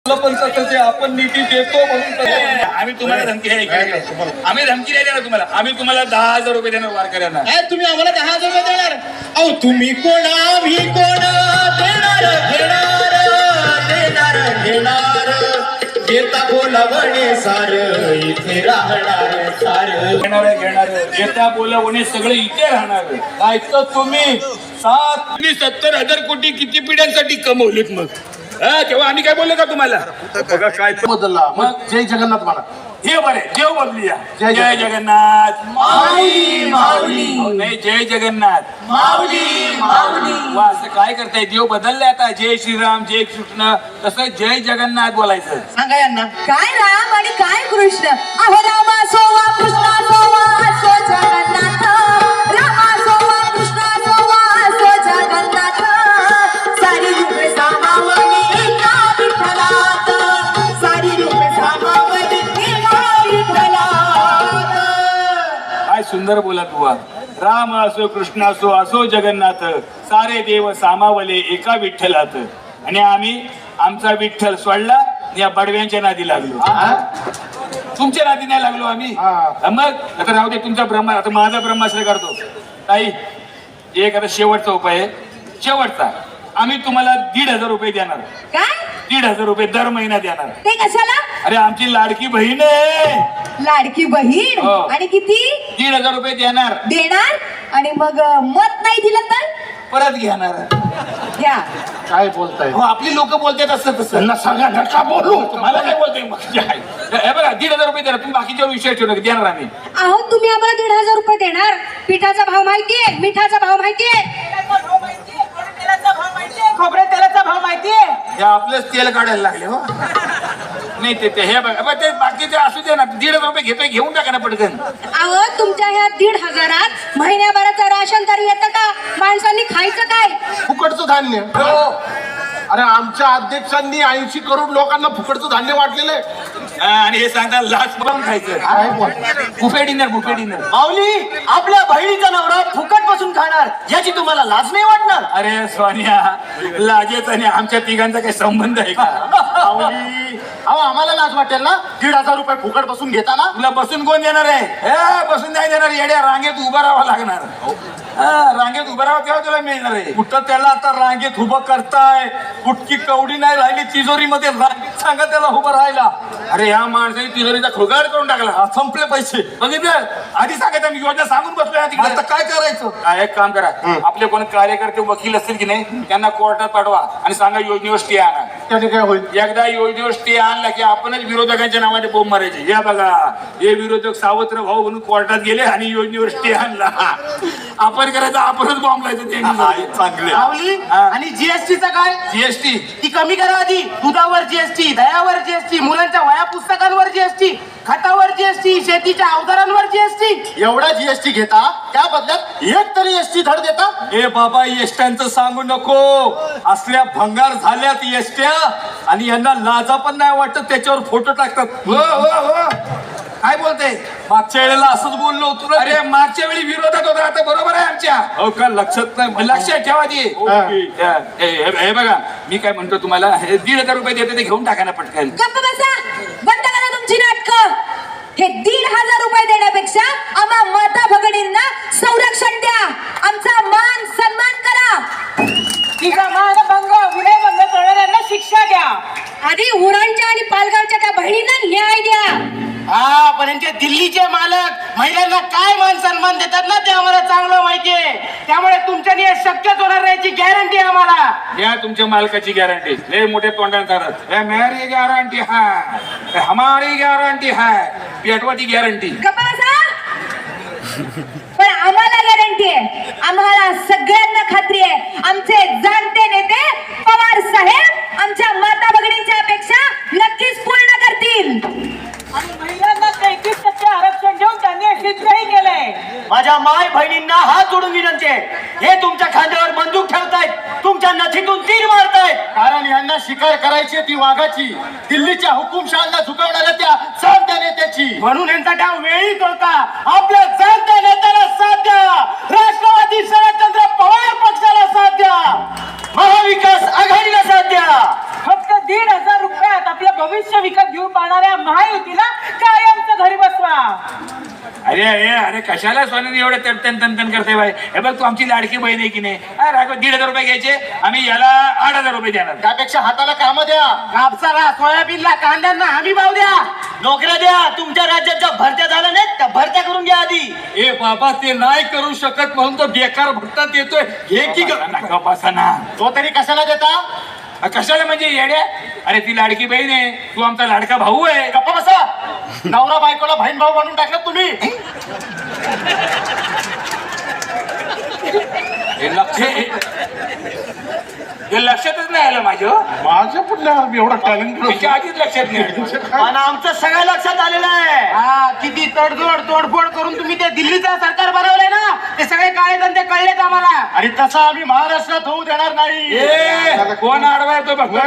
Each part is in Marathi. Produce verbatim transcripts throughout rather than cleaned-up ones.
पण तसं आपण निधी देतो म्हणून आम्ही तुम्हाला धमकी आम्ही धमकी नाही देणार तुम्हाला. आम्ही तुम्हाला दहा हजार रुपये देणार वारकऱ्यांना. तुम्ही आम्हाला दहा हजार रुपये देणार? अहो तुम्ही कोण आम्ही कोण देणार घेणार देणार घेणार घेता बोलावणे सार इथे राहणार सार घेणार घेणार घेता बोलावणे सगळे इथे राहणार. ऐकतो तुम्ही सात सत्तर हजार कोटी किती पिढ्यांसाठी कमवलेत मग हा तेव्हा आम्ही काय बोललो का तुम्हाला? बघा काय बदलला मग जय जगन्नाथ म्हणा. हे बरे देव बदलूया. जय जय जगन्नाथ माऊली माऊली नाही जय जगन्नाथ माऊली माऊली. वा असं काय करताय? देव बदलले आता. जय श्रीराम जय कृष्ण तसं जय जगन्नाथ बोलायचं. सांगा यांना काय राम आणि काय कृष्ण. अहो रामा सोवा कृष्णा सोवा असो जगन्नाथ. रामा सोवा कृष्णा सोवा असो जगन्नाथ. सारी रूपे सामावली एका विठ्ठलात. सारी रूपे सामावली एका विठ्ठलात. काय सुंदर बोला बुवा. राम असो कृष्ण असो असो जगन्नाथ सारे देव सामावले एका विठ्ठलात. आणि आम्ही आमचा विठ्ठल सोडला या बडव्यांच्या नादी लागलो. तुमच्या नादी नाही लागलो आम्ही. मग आता राहू दे तुमचा ब्रह्मा. आता माझा ब्रह्माश्रय करतो ताई. एक आता शेवटचा उपाय आहे. शेवटचा आम्ही तुम्हाला दीड हजार रुपये देणार. काय दीड हजार रुपये दर महिना देणार. ते कशाला? अरे आमची लाडकी बहीण आहे. लाडकी बहीण. हो. आणि किती दीड हजार रुपये देणार. देणार? आणि मग मत नाही दिलं तर परत घेणार. घ्या. काय बोलताय? हो आपली लोक बोलतात असं तसं. त्यांना सांगा नका बोलू. मला काय बोलतोय मग जे आहे. हे बघा दीड हजार रुपये देणार. तुम्ही बाकीच्यावर विषय ठेवू नका. देणार आम्ही. अहो तुम्ही आम्हाला दीड हजार रुपये देणार. पिठाचा भाव माहितीये, मिठाचा भाव माहितीये, खोबऱ्या तेलाचा भाव माहितीये. हे आपलंच तेल काढायला लागले हो. नाही ते ते हे बघा बघा, ते बाकीचे असू दे ना. दीड हजार रुपये घेतोय घेऊन टाका ना पटकन. अहो तुमच्या ह्या दीड हजारात महिन्याभराचं राशन तरी येतं का? माणसांनी खायचं काय? फुकटचं धान्य. हो. अरे आमच्या अध्यक्षांनी ऐंशी करोड लोकांना फुकटचं धान्य वाटलेलं आहे. हा, आणि हे सांगता लाच पण खायचं. काय बोल बुफे डिनर बुफे डिनर. माऊली आपल्या बहिणीचा नवरा फुकट बसून खाणार याची तुम्हाला लाज नाही वाटणार? अरे सोनिया लाजेच आणि आमच्या तिघांचा काही संबंध आहे का? माऊली, अहो आम्हाला लाज वाटेल ना दीड हजार रुपये फुकट बसून घेताना. तुला बसून कोण देणार आहे? हे बसून नाही देणार. येड्या रांगेत उभं राहावं लागणार. हा, रांगेत उभं राहावं तेव्हा तुला मिळणार आहे. कुठं त्याला आता रांगेत उभं करताय? कुठकी कवडी नाही राहिली तिजोरीमध्ये. रांगेत सांगा त्याला उभं राहायला. अरे ह्या माणसाने तिजोरीचा खुगाड करून टाकला. हा, संपले पैसे. बघितलं आधी सांगायचं मी योजना सांगून बसलोय ना तिकडे. आता काय करायचं? काय एक काम करा. आपले कोणी कार्यकर्ते वकील असतील की नाही त्यांना कोर्टात पाठवा आणि सांगा योजनेवर स्टे आणा. त्याने काय होईल? एकदा योजनेवर स्टे आणला की आपणच विरोधकांच्या नावाने बोंब मारायचे. या बघा हे विरोधक सावत्र भाऊ म्हणून कोर्टात गेले आणि योजनेवर स्टे आणला. आपण करायचं आपणच बॉम्ब लायचं. चांगले. माऊली हा. आणि जीएसटीचं काय? जीएसटी ती कमी करा आधी. दुधावर जीएसटी, दह्यावर जीएसटी, मुलांच्या वया पुस्तकांवर जीएसटी, खतावर जीएसटी, शेतीच्या अवजारांवर जीएसटी. एवढा जीएसटी घेता त्या बदल्यात एक तरी एसटी धड देता. ए बाबा एसट्यांचं सांगू नको. असल्या भंगार झाल्यात एसट्या आणि यांना लाजा पण नाही वाटत. त्याच्यावर फोटो टाकतात. हो हो हो काय बोलते? मागच्या वेळेला असंच बोललो होतो ना. अरे मागच्या वेळी विरोधात होता आता बरोबर आहे आमच्या. हो का? लक्षात नाही. लक्षात ठेवा ती. ओके. हे हे- हे बघा मी काय म्हणतो तुम्हाला हे दीड हजार रुपये देते ते घेऊन टाका ना पटकन. गप्प बसा. बंद करा तुमची नाटकं. हे दीड हजार रुपये देण्यापेक्षा आम्हा माता भगिनींना संरक्षण द्या. आमचा मान सन्मान करा. तिचा मानभंग विनयभंग करणाऱ्यांना शिक्षा द्या. आधी उरणच्या आणि पालघरच्या त्या बहिणींना न्याय द्या. हा पण यांचे दिल्लीचे मालक महिलांना काय मान सन्मान देतात ना ते आम्हाला चांगलं माहितीये. त्यामुळे तुमच्यानी हे शक्यच होणार नाही याची गॅरंटी आम्हाला. या तुमच्या मालकाची गॅरंटी. लय मोठे तोंडाने सांगतात हे मेरी गॅरंटी है हमारी गॅरंटी है पेटवाची गॅरंटी. गप्प बसा. पण आम्हाला गॅरंटी आहे. आम्हाला सगळ्यांना खात्री आहे. आमचे जाणते नेते पवार साहेब आमच्या माता भगिनींच्या अपेक्षा नक्कीच पूर्ण करतील. आणि महिलांना तेहतीस टक्के आरक्षण देऊन त्यांनी सिद्धही केलंय. माझ्या माय बहिणींना हात जोडून विनंती आहे. हे तुमच्या खांद्यावर बंदूक ठेवतायत, तुमच्या नथीतून तीर मारतायत. कारण यांना शिकार करायची ती वाघाची, दिल्लीच्या हुकुमशहाला झुकवणाऱ्या त्या चालत्या नेत्याची. म्हणून यांचा डाव वेळीच होता. आपल्या जाणत्या नेत्याला साथ द्या. राष्ट्रवादी शरदचंद्र पवार पक्षाला साथ द्या. महाविकास आघाडीला साथ द्या. फक्त दीड हजार रुपयात आपल्या भविष्य विकत घेऊ पाहणाऱ्या महायुतीला कायमचं घरी बसवा. अरे अरे अरे कशाला सोन्याने एवढं तन तन तन करते बाई. हे बघ तू आमची लाडकी बहीण आहे की नाही. अरे राघव, दीड हजार रुपये घ्यायचे, आम्ही याला आठ हजार रुपये देणार. त्यापेक्षा हाताला काम द्या, कापसाला सोयाबीनला कांद्यांना हमी भाव द्या. नोकऱ्या द्या. तुमच्या राज्यात ज्या भरत्या झाल्या नाहीत त्या भरत्या करून घ्या आधी. ए बाबा, ते नाही करू शकत म्हणून तो बेकार भत्ता देतोय. हे की ग- बसा ना. तो तरी कशाला देता? कशाला म्हणजे येड्या? अरे ती लाडकी बहीण आहे, तू आमचा लाडका भाऊ आहे. गप्पा बसा. नवरा बायकोला बहीण भाऊ बनवून टाकलं तुम्ही. हे लक्ष हे लक्षातच नाही आलं माझं. माझ्या पुढल्या एवढा टॅलेंट त्याच्या आधीच लक्षात नाही आलं. आणि आमचं सगळं लक्षात आलेलं आहे. हा, किती तडजोड तोडफोड करून तुम्ही ते दिल्लीचं सरकार बनवलंय ना, ते सगळे काळे धंदे कळलेत आम्हाला. आणि तसं आम्ही महाराष्ट्रात होऊ देणार नाही. ए, कोण आडवाय तो बघ.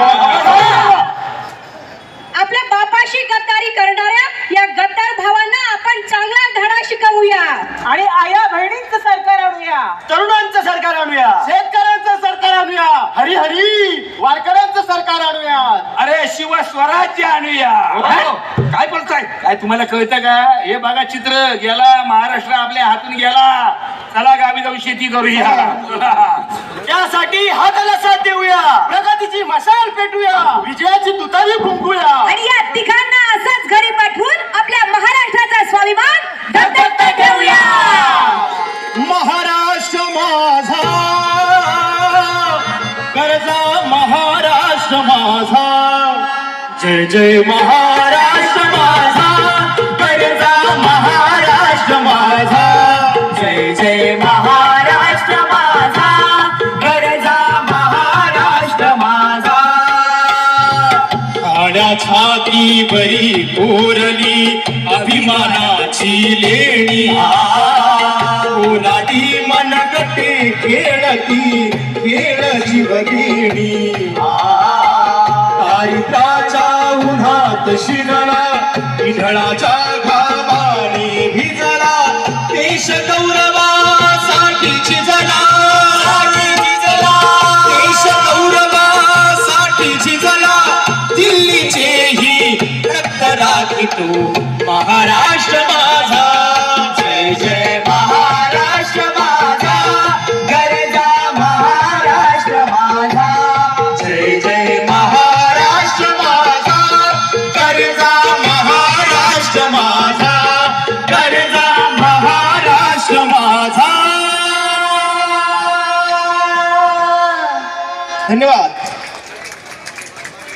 आपल्या बापाशी गद्दारी करणाऱ्या या गद्दार भावांना आपण चांगला धडा शिकवूया. आणि आया बहिणींचं सरकार आणूया. तरुणांचं सरकार आणूया. शेतकऱ्यांचं सरकार आणूया. हरी हरी वारकऱ्यांचं सरकार आणूया. अरे शिव स्वराज्य आणूया. काय बोलताय? काय तुम्हाला कळतं का? हे बघा चित्र गेला, महाराष्ट्र आपल्या हातून गेला. चला गावी जाऊन शेती करूया. त्यासाठी हाताला साथ देऊया. प्रगतीची मशाल पेटूया. विजयाची तुतारी फुंकूया. आणि या तिघांना असंच घरी पाठवून आपल्या महाराष्ट्राचा स्वाभिमान दत्तक ठेवूया. महाराष्ट्र माझा कर्जा, महाराष्ट्र माझा जय जय महाराष्ट्र माझा कर्जा, महाराष्ट्र माझा जय जय महाराष्ट्र माझा कर्जा, महाराष्ट्र माझा. काळ्या छातीवरी कोरली अभिमानाची लेणी, ओलाटी मनगटे खेळती खेळ जीवघेणी. दारिद्र्याच्या उन्हात शिरला, इढळाच्या घामाने भिजला, देश गौरवासाठी झिजला, देश गौरवासाठी झिजला. दिल्लीचेही रक्त राखितो महाराष्ट्र माझा. जय जय महाराष्ट्र माझा गरजा, महाराष्ट्र माझा जय जय महाराष्ट्र माझा गरजा, महाराष्ट्र माझा गरजा, महाराष्ट्र माझा. धन्यवाद.